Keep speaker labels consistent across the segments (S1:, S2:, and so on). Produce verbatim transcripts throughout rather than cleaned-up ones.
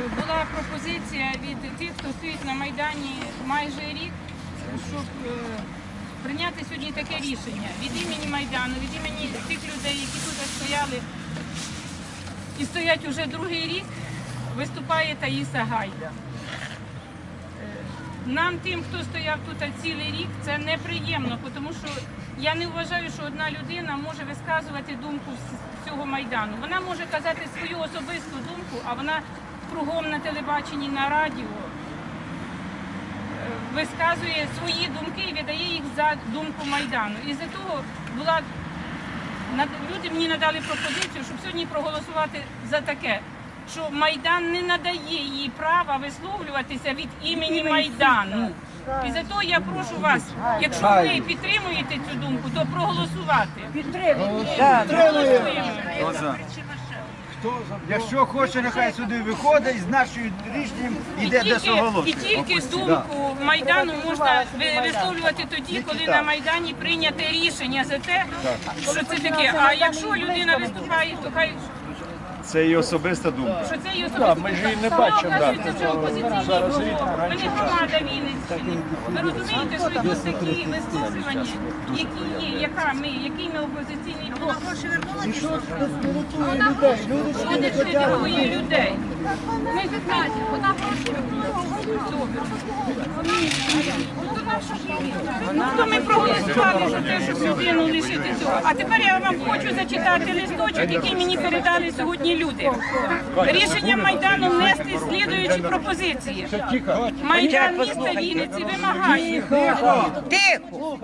S1: була пропозиція від тих, хто стоїть на Майдані майже рік, щоб прийняти сьогодні таке рішення від імені Майдану, від імені тих людей, які тут стояли і стоять уже другий рік, виступає Таїса Гайда. Нам, тим, хто стояв тут цілий рік, це неприємно, тому що я не вважаю, що одна людина може висказувати думку з цього Майдану. Вона може казати свою особисту думку, а вона кругом на телебаченні, на радіо висказує свої думки і видає їх за думку Майдану. І за того була, люди мені надали пропозицію, щоб сьогодні проголосувати за таке, що Майдан не надає їй права висловлюватися від імені Майдану. І за того я прошу вас, якщо ви підтримуєте цю думку, то проголосувати. Підтримуємо.
S2: Якщо хоче, нехай сюди виходить і з нашою рішенням йде до соголошення.
S1: І тільки думку Майдану можна висловлювати тоді, коли на Майдані прийняте рішення за те, що це таке. А якщо людина виступає, то хай...
S3: Це її особиста думка.
S1: Що це її особиста думка.
S3: Ми ж її не бачимо.
S1: Це вже опозиційний блок. Ми не громада Вінниччини. Ви розумієте, що йдуть такі висловлювання, які є, яка ми, який ми опозиційний блок.
S2: І що спиритує людей? Люди
S1: Що не спиритує людей? Ми знаємо, вона Ну, то ми проголосували за те, щоб людину лишити цього. А тепер я вам хочу зачитати листочок, який мені передали сьогодні люди. Рішення Майдану внести слідуючі пропозиції. Майдан міста Вінниці вимагає.
S4: Тихо!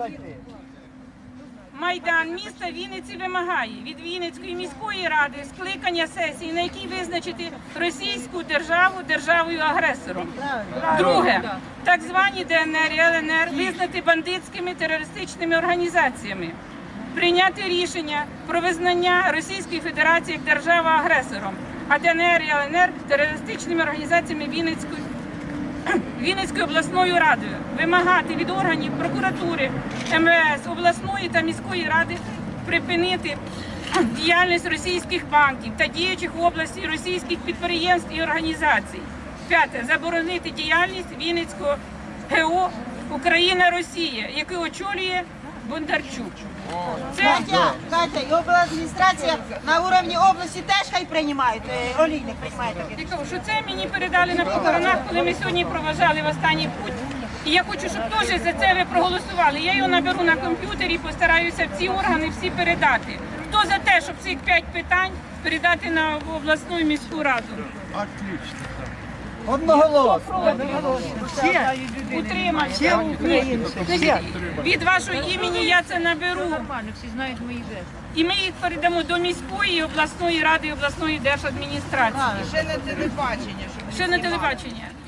S1: Майдан міста Вінниці вимагає від Вінницької міської ради скликання сесії, на якій визначити російську державу державою-агресором. Друге. Так звані Д Н Р і Л Н Р визнати бандитськими терористичними організаціями. Прийняти рішення про визнання Російської Федерації як держава-агресором, а Д Н Р і Л Н Р терористичними організаціями Вінницької Вінницькою обласною радою, вимагати від органів прокуратури, М В С, обласної та міської ради припинити діяльність російських банків та діючих в області російських підприємств і організацій. П'яте. Заборонити діяльність Вінницького Г О «Україна-Росія», який очолює Бондарчук.
S4: Це... Катя, Катя, і обладміністрація на рівні області теж хай приймають, олійник приймає таке.
S1: Я кажу, що це мені передали на похоронах, коли ми сьогодні проважали в останній путь. І я хочу, щоб теж за це ви проголосували. Я його наберу на комп'ютері і постараюся в ці органи всі передати. Хто за те, щоб цих п'ять питань передати на обласну і міську раду?
S2: Отлично. Одноголосно.
S1: Утримався. Від вашого імені я це наберу.
S5: Всі знають мої жести.
S1: І ми їх передамо до міської, обласної ради і обласної держадміністрації.
S4: Ще на телебачення.
S1: Ще на телебачення.